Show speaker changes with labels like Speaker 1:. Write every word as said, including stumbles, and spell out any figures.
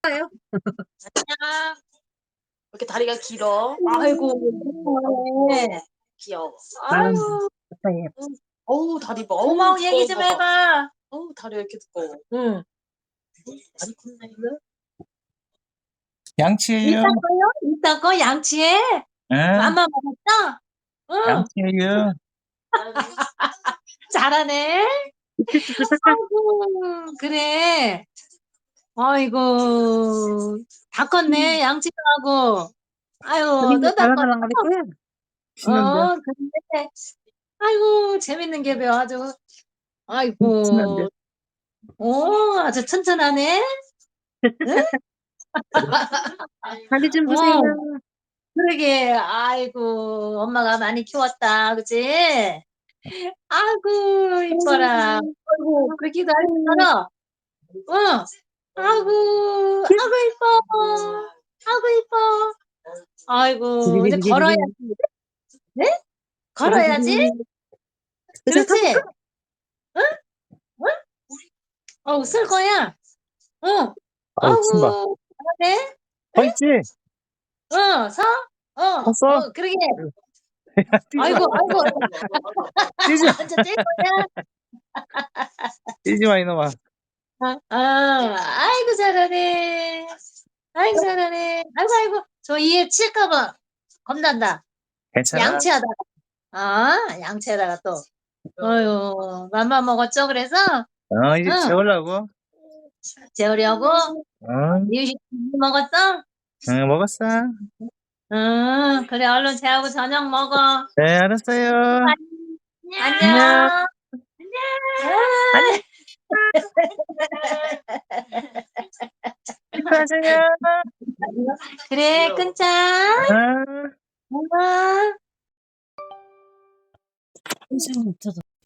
Speaker 1: 아요?
Speaker 2: 안녕. 왜 이렇게 다리가 길어? 아이고. 네. 귀여워. 아유. 응. 어우, 다리 봐. 어머, 얘기 좀 해 봐. 어우, 다리가 이렇게 두꺼워. 응. 다리 컸네, 이거?
Speaker 3: 양치해요.
Speaker 2: 이따 거요? 이따 거 양치해?
Speaker 3: 응.
Speaker 2: 맘마 먹었어? 응.
Speaker 3: 양치해요.
Speaker 2: 잘하네. 아이고, 그래. 아이고, 다 컸네, 양치도 하고. 아유, 또 다 컸어.
Speaker 1: 달랑달랑 거리고요. 신난다.
Speaker 2: 어, 근데, 아이고, 재밌는 게 배워, 아주.
Speaker 1: 신난다.
Speaker 2: 아이고, 오, 아주 튼튼하네? 응?
Speaker 1: 다리 좀 보세요.
Speaker 2: 어, 그러게, 아이고, 엄마가 많이 키웠다, 그치? 아이고, 이뻐라. 아이고, 그러기도 할 줄알아. 응. 아이고, 아이고, 이뻐. 아이고, 이뻐. 아이고, 이제 걸어야지. 네? 걸어야지? 그렇지? 응? 응? 어, 쓸 거야. 응.
Speaker 3: 아우, 신발.
Speaker 2: 아이고, 잘하네.
Speaker 3: 서 있지?
Speaker 2: 어, 서? 어,
Speaker 3: 섰어?
Speaker 2: 어, 그러게.
Speaker 3: 뛰지 마.
Speaker 2: 아이고, 아이고.
Speaker 3: 뛰지 마.
Speaker 2: 완전 뛸 거야.
Speaker 3: 뛰지 마, 이놈아.
Speaker 2: 아, 아, 아이고, 잘하네. 아이고, 잘하네. 아이고, 아이고. 저 이에 칠까봐 겁난다.
Speaker 3: 괜찮아.
Speaker 2: 양치하다가. 아, 양치하다가 또. 어휴, 맘마 먹었죠, 그래서?
Speaker 3: 어, 이제
Speaker 2: 응.
Speaker 3: 재우려고.
Speaker 2: 재우려고?
Speaker 3: 응.
Speaker 2: 이유식 먹었어?
Speaker 3: 응, 먹었어.
Speaker 2: 응, 그래, 얼른 재우고 저녁 먹어.
Speaker 3: 네, 알았어요. 안녕.
Speaker 2: 안녕.
Speaker 3: 안녕. 수고하세요.
Speaker 2: 그래, 끊자.
Speaker 3: 응.
Speaker 2: 응.
Speaker 1: 선생님, 저도.